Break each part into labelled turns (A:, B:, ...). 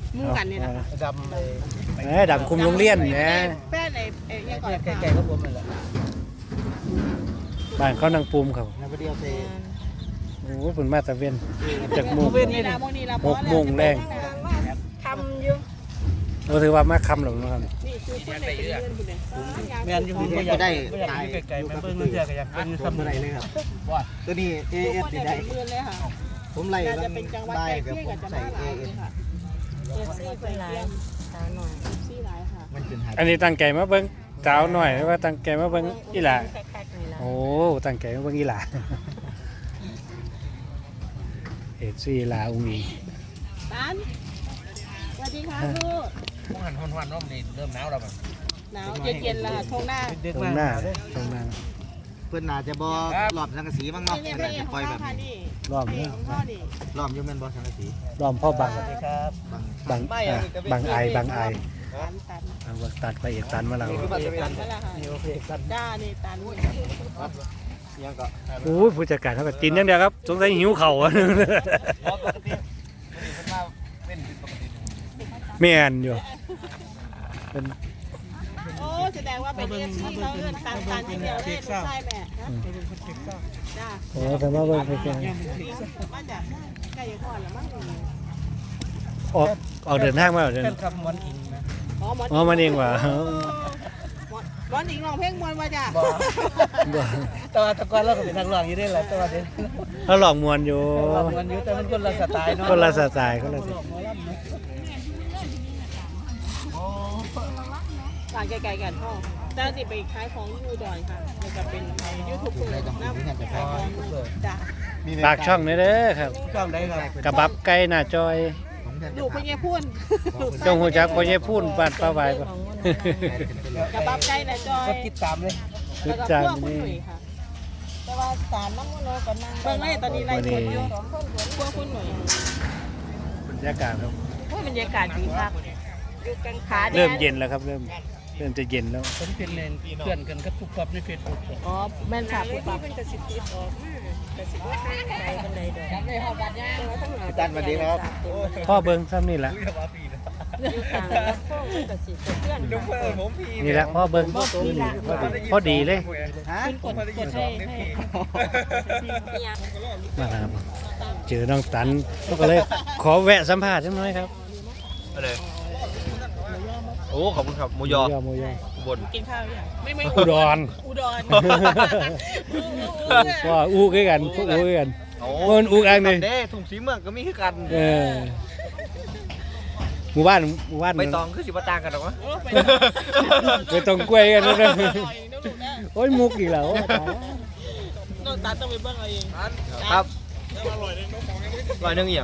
A: มู่กันนี่นะคะ
B: ดำ
C: ดำคุมโรงเรียนเนี่ย
A: แป้นไอ้ยังก่อน
B: แก่ๆก็ผมนั่นแหละ
C: บ้านเขานางปูมเขา
B: แล้วเดียวเซ
C: โอ้ผลมาตะเวนจากโมง
A: นี่ละโมงนี่ละ
C: 6 โมงแรง
A: คำอยู่
C: เราถือว่ามาคำหรอกนะครับ
A: นี่คือคนไหนเป็นเรื่องคุณเนี่ย
B: แม่นอยู่ก็อยากได้ตายไก่ๆแม่เบิ้งเรื่อยๆก็อยากเป็นซ้ำอะไรเลยครับตัวนี้ AS ได้
A: เมือนเลยค่ะ
B: ผมไล่
A: น่าจะเป็นจังหวัด
B: ได้
A: ใกล้
B: กับ
A: เคียง
B: ผม
A: กับจังห
B: ใส่
A: วัดหลาย
B: AS
A: ค่ะเอฟซีเป็นหลายสาวหน่อยเอฟซีหลายค่ะ
B: มันเป็นหาย
C: อันนี้ตั้งใจมาเบิ้งสาวหน่อยหรือว่าตั้งใจมาเบิ้งอีหล่าโอ้ตั้งใจมาเบิ้งอีหล่าเอ็ดซี่ลาอุ้งอิง
A: ตันสวัสดีค่ะลูก
B: ผมหันหวันๆรอบนี้เริ่มหนาวแล้วมัน
A: หนาวเย็นๆแล้วทงหน้า
C: ตรงหน้าตรงหน้า
B: เพื่อนน่าจะบ่หลอมสังกะสีบ้างเนาะ
A: นี่
B: เพื่อน
A: เพล
B: น่าง จะ
A: ข
B: ป
A: อ
B: ล่
A: ง
B: อยแบบ
A: เขาค่ะ
B: นี้
A: นี่
C: ล้อม
A: เพล
C: เนี่
A: ง
C: ย
A: ของพ่อนี่
B: หลอมอยู่แม่นบ่สังกะสี
C: ล้อมพ่อบัง
B: สวัสดีครับ
C: บังไอบางไอ
A: ตัน
C: เอาว่าตัดไปเอกตันมาแล้ว
A: ตันนั่นแหละค่ะ
B: นี่โอเคกัน
A: จ้านี่ตัน
B: ยังก็
C: โอ้ยผู้จัดการเขาก็กินอย่างเดียวครับสงสัยหิวเข่าวอะ
B: ปกติมันมาเป็นปกติ
C: แม่นอยู่เป็น
A: โอ้แสดงว่าเป็นเอฟซีเขาเงินตันที่เดียวได้ลูกชายแม่ฮะจ้า
C: โอ้แต่ว่าเบิ่งไปแค่
A: มาจากใกล้ยังก่อนแล้วมั้ง
C: ออกเดินทางมาเดิน
B: เป็นคำมันอิงนะ
C: อ๋อมันเองว่ะ
A: บอลอีกร้องเพลงมวนมาจ้ะ
C: บ่
B: แต่ว่าตะกอนเราก็เป็นนักร้องอยู่ได้แหละแต่ว่าเดี๋ยว
C: เขาหลอกมวนอยู่
B: มันอยู่แต่มันคนละสไตล์เนาะ
C: คนละสไตล์คนละสไตล์
A: ต่างไกลๆกันพ่อจ้าสิไปขายของยูดอนค่ะมันจะเป็นยูทูบเบอร์น้ำขายของจ้ะ
C: ฝากช่องนี้เด้อครับ
B: ช่องได้ครับ
C: กระบับไก่หน้าจอย
A: ลูกพญาพุ่น
C: จงหูจักพ่อใหญ่พูนบ้านป้าไว้บ่
A: กระบับไก่นะจอย
B: ก็ติดตามเลย
C: คือ
A: แล้วก็
C: จาน
A: พวกคุณ
C: นี่
A: หนุ่ยค่ะ
D: แต่ว่าสารน้ำมันโลกันนั่ง
A: เบิ่งเลยตอนนี้ไล่สดอยู่พวกคุณหนุ่ย
C: บรรยากาศครับ
A: โอ้ยบรรยากาศดีมากอยู่กลางขา
C: เริ่มเย็นแล้วครับเริ่มจะเย็นแล้ว
B: ผมเป็นเพื่อนกันกับทุกครอบในเฟซบุ๊ก
A: อ๋อแม่นค่ะปุ๊บปั๊บ
D: เป็นกระสิบติดออกกระสิบว่าข้างใดบันไดดอก
B: พี่ตั้นสวัสดีครับ
C: พ่อเบิ้งซ้ำนี่แหละ
D: อยู่ต่างแล้วพวกมันกระสิบเพื่อน
C: นี่แหละพ่อเบิ้งพอดีเลย
B: ฮะ
A: กดให้
C: มาครับเจอน้องตันก็เลยขอแวะสัมภาษณ์สักหน่อยครับ
E: อะไรโอ้ขอบคุณครับหมูยอ
C: หมูยอ
E: อุบล
A: กินข้าวยังไม่
C: อุดร
A: อุดร
C: ก็อู้คือกันพวกอู้คือกัน
E: โอ้
C: มันอู้อันหนึง
E: เด้ถุงสีเมืองก็มีคือกัน
C: เออหมู่บ้าน
E: ใบตองคือสิบต่างกันหรอวะ
C: ไปตรงกล้วยกันนะ
A: อร่อยนะลูกนะ
C: โอ้ยมุกอีกแล้ว
A: น้องตาต้องไปเบิ่งเอาเอง
E: ครับร้อยหนึ่งเอียง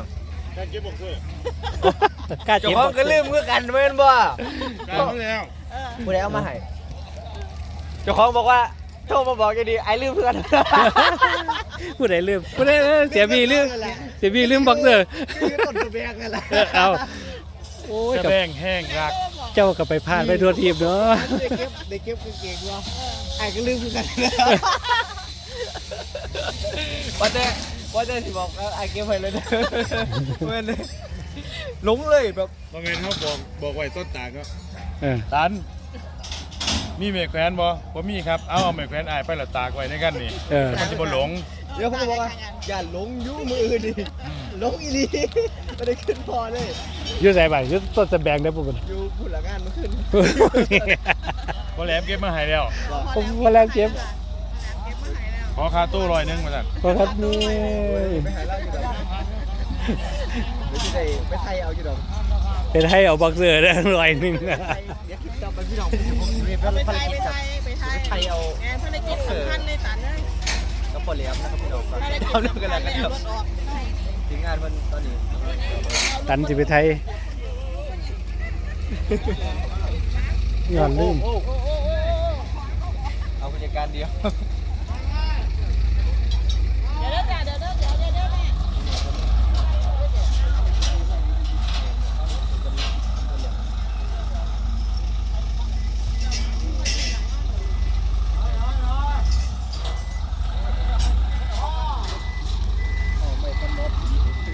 C: กล้า
E: เจ้า
C: เจ็บ
E: ของก็ลืมคือกันเว้นบ่ผู้ใดเอามาให้เจ้าของบอกว่าโทรมาบอกจะดีไอ้ลืมเพื่อน
C: ผู้ใดลืมผู้ใดเสียบีลืมบ็อกเซอร์
B: ต้นตัวแบกนั่นแหละ
C: เอาโอ้ย
B: แบงแห้งรัก
C: เจ้าก็ไปพลาดไปทั่วทีมเนาะ
B: ได้เก็บกางเกงว่าไอ้ก็ลืมคือกัน
E: ว่าแต่สิบอกไอ้เก็บไปเลยเว้นเลยหลงเลยแบบ
F: บางเงินเขาบอกไว้ต้นตาลก็
C: เออ
F: ตันมีเมฆแขวนบ่มีครับเอาเมฆแขวนอายไปละตากไว้ในกันนี่
C: เออ
F: มันจะบ่หลง
B: เดี๋ยวผมบอกว่าอย่าหลงยุ่มืออื่นดิหลงอีลีไม่ได้ขึ้นพอเลย
C: ยืดใส่ใบยืดต้นสะแบงได้ปุ๊บ
B: อยู่พูดละงานมาขึ้น
F: บ่แหลมเก็บมาให้แล้ว
C: ผมมาแล้วเจ็บ
F: ขอค่าตู้100มาสั่น
C: ขอครับนี่
B: ไปหาเหล้าอยู่ดอกเดี๋ยวจะได้ไปไทยเอาอยู่ดอก
C: เป็นให้เอาบ็อกเซอร์ได้100
B: เดี๋ยวคลิปต่อไปพี่น้องผมเรียน
A: ไป
B: ภาร
A: ไทย
B: กิจ
A: ไป
B: กับ
A: ไทย
B: ไทยเอา
A: งานภารกิจสำคัญในตันเลย
B: กับปอเหลียมนะครับพี่น้องครับ
A: ภารกิจ
B: เอาเรื่อง
A: สำ
B: กัน
A: คั
B: แล้
A: ญ
B: วกัน
A: เลย
B: ครับ
A: รถออก
B: ทีมงานมันตอนนี้
C: ตันสิไปไทยย้อนลืม
B: เอาผู้จัดการเดียว
A: เดี๋ยวจ้ะเดี๋ยวแม่
B: ไม่ต้องมด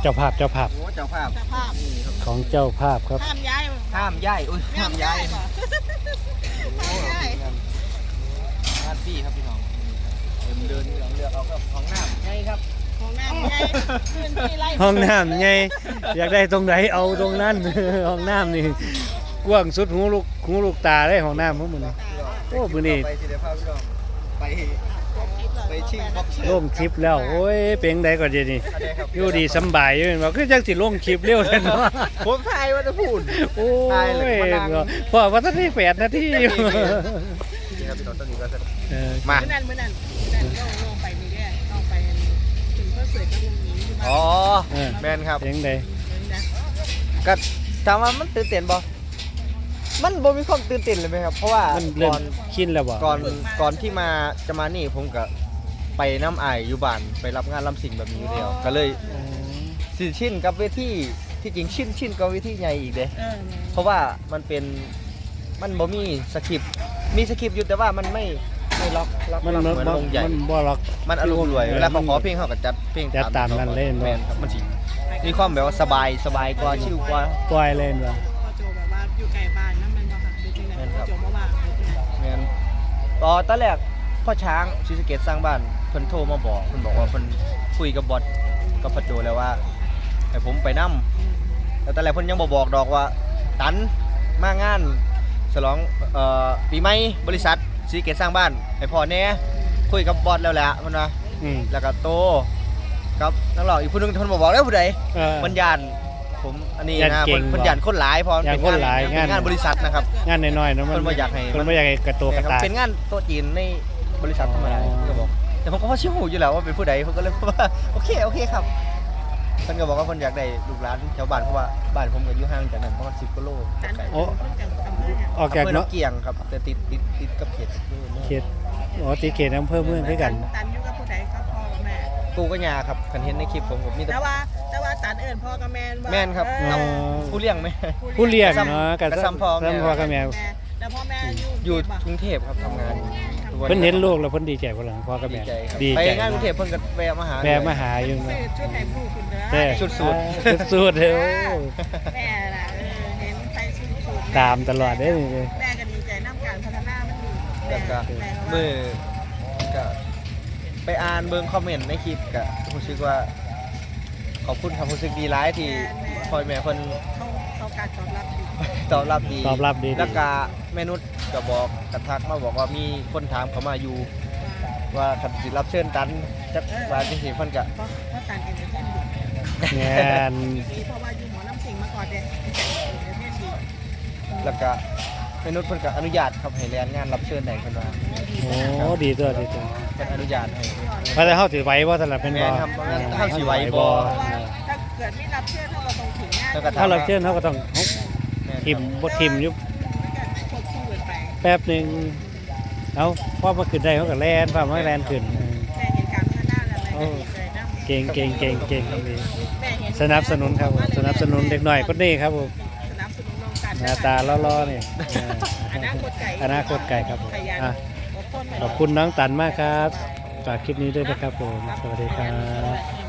C: เจ้าภาพ
B: โอ้เจ้าภาพ
A: เจ้าภาพ
B: นี่ครับ
C: ของเจ้าภาพครับ
A: ห้ามย้าย
B: ห้ามย้ายอุ้ยห้ามย้าย
A: ป่ะ
B: โอ้
A: ห้ามย้าย
B: งานฟรีครับพี่น้องเดินเลือกเอาครับของน้ำใช่ครับ
A: ของน้ำไงพื้นที่ไร่
C: ห้องน้ำไงอยากได้ตรงไหนเอาตรงนั้น ห้องน้ำนี่กว้างสุดหูลูกตาเลยห้องน้ำพวกมึงนี่ โอ้มื้อนี้
B: ไปสิเดี๋ยวพาพี่น้องไปชิงบ็อกเซอร์
C: ลงคลิปแล้วโอ้ยเป็นไดก่อนเดี๋ยวนี้
B: อันนี้ครับ
C: อยู่ดีสำบายอยู่เห็นบ่คือจังสิลงคลิปเร็วแท้เนาะ
B: ผมทายว่าจะพูด
C: โอ้
B: ตายเลย
C: ย
B: มานั่ง
C: พอว่าทันได้8 นาทีอยู่
B: นี่ครับพี่น้องตอนนี้ก็จะ
C: เออ
B: มา
A: มื้อนั้นลงไปนี่แหละลงไปถึงก็เสร็จก็ลงนี้ที่บ้าน
B: อ๋อ
C: เออ
B: แมนครับ
C: เป็นได
B: ก็ถามว่ามันตื่นเต้นบ่มันบ่มีความตื่นเต้นเลยไหมครับ เพราะว่า
C: มันเริ่
B: ก่
C: ม
B: อน
C: ชินแล้วบ่
B: ก่อนที่จะมานี่ผมก็ไปน้ำอายอยู่บ้านไปรับงานรับสิ่งแบบนี้อยู่แล้วก็เลยสิชินกับเวทีที่จริงชินกับเวทีใหญ่อีกเด้ เพราะว่ามันบ่มีสคริปต์มีสคริปต์อยู่แต่ว่ามันไม่ล็อก
C: มัน
B: เหมือนวงใหญ่
C: มันบ่ล็อก
B: มันอารมณ์รวยเวลาเขาขอเพลงเขาก็จัดเพลง
C: จัดตามนั้นเลย
B: แมนครับมันสิมีความแบบว่าสบายกว่าชิลกว่า
C: ปล่อยเลยบ่
A: พอโจแบบว่าอยู่ไกลบ้านนั่นมันบ่ค่ะดูจริงๆพอโจมาว่า
B: แมนตอนแรกพ่อช้างศรีสะเกษสร้างบ้านเพิ่นโทรมาบอกเพิ่นบอกว่าเพิ่นคุยกับบอสกับพ่อโจแล้วว่าให้ผมไปนำแล้วตอนแรกเพิ่นยังบ่บอกดอกว่าตันมางานฉลองปีใหม่บริษัทศรีสะเกษสร้างบ้านให้พ่อแน่คุยกับบอสแล้วแหละเพิ่นว่า
C: อืม
B: แล้วก็โตครับนักร้องอีกผู้หนึงเพิ่นบ่บอกแล้วผู้ใด
C: เออ
B: มันยานผมอันนี้
C: ย้าน
B: นะ
C: เก่ง
B: เพิ่นยานคนหลายเพอ
C: ย้านคนหลาย
B: เป็นงานบริษัทนะครับ
C: งานน้อยๆเนาะมัน
B: เพิ่นบ่อยากให้
C: เพิ่นบ่อยากให้กระโตกระตาย
B: เป็นงานโต๊ะจีนในบริษัทธรรมดา
C: อ๋อ
B: ก็บอกแต่ผมก็พอชิวอยู่แล้วว่าเป็นผู้ใดผมก็เลยว่าโอเคครับเพิ่นก็บอกว่าเพิ่นอยากได้ลูกหลานแถวบ้านเพราะว่าบ้านผมก็อยู่ห่างจากนั้นประมาณ10กิโลไกล
C: โอ้ออกจาก
B: อำเภอ
C: เนาะ
B: น้ำเกียงครับแต่ติดกับเขตอำเภอเมือง
C: เขตติเขตอำเภอเมืองคือกัน
A: ตันอยู่กับผู้ใดก็พ่อกับแม่
B: ปู่ก็ยาครับคันเห็นในคลิปผมมีแต่
A: แต่ว่าตันเอิญพ่อกับแม่
B: แม่นครับ
C: อ๋อ
B: ผู้เลี้ยงไหม
C: ผู้เลี้ยงเนาะ
B: กระซ้ำพ่อแม่
C: ซ้ำพ่อกับแม่
A: แล้วพ่อแม่
B: อยู่กรุงเทพครับทำงานทุกวั
C: เพิ่นเห็นลูกแล้วเพิ่นดีใจบ่ล่ะพ่อกับ
B: ดี
C: แม่
B: ใจครับ
C: ดี
B: ไป
C: ใจ
B: งานกรุงเทพเพิ่นก็แวะมาหา
C: แม่มาหาอยู่
A: ซื้
C: เนาะ
A: อชุดไทยผู้คุณเด้อ
C: แต่
B: ชุดสูท
C: สุดๆเด้อ
A: แม่ล่ะเห็นใส่ชุดสูท
C: ตามตลอดเด้อนี่
A: แม่ก็ดีใจน้ำการพัฒนามันดี
B: แล้วก็
A: แม่
B: มือก็ไปอ่านเบิ่งคอมเมนต์ในคลิปก็รู้สึกว่าขอบคุณครับรู้สึกดีหลายที่พ่อแม่เพิ่น
A: เขาการตอบรับดี
B: ตอบรับดี
C: ตอบรับดี
B: แล้วก็แม่นุชก็บอกกระทักมาบอกว่ามีคนถามเขามาอยู่ ว่าคันสิรับเชิญตันจักว่าจังซี่เพิ่นก็
A: เพราะการเอ็นเตอร์เทนดี
C: งาน
A: ดีเพราะว่าอยู่หมอลำสิงมาก่อนเด็กเอ็นเตอร์เทนดี
B: แล้วก็แม่นุชเพิ่นก็อนุญาตครับให้แล่นงานรับเชิญได้เพิ่นว่า
C: โอ้ดีตัวดีตัว
B: เพิ่นอนุญาตให้
C: ว่าแต่เฮาสิไหวบ่สำหรับเป็นบ่
B: แม่นครับเฮาสิไหวบ่
A: เพราะว่าถ้าเกิดไม่รับเชื่อถ้าเราต้องถึงงาน
B: แล้วก็
C: ถ้าเราเชิญเฮาก็ต้อง
B: แม่นครับ
C: ทิมบ่ทิมอยู่
A: ควบคู่กันไป
C: แป๊บหนึงเอาพอมาขึ้นได้เฮาก็แล่นพามาแล่นขึ้น
A: แม่เห็นการพัฒนาอะไรก็ดีใจนะ
C: เก่งเก่งเก่งเก่งดี
A: แม่เห็น
C: สนับสนุนครับผมสนับสนุนเด็กหน่อยคนนี้ครับผม
A: สนับสนุนน้องกัน
C: หน้าตาล่อๆนี่
A: อนาคตไก่
C: อนาคตไกลครับผม
A: ขยัน
C: อ่ะ
A: อดทน
C: ขอบคุณน้องตันมากครับฝากคลิปนี้ด้วยนะครับผมสวัสดีครับ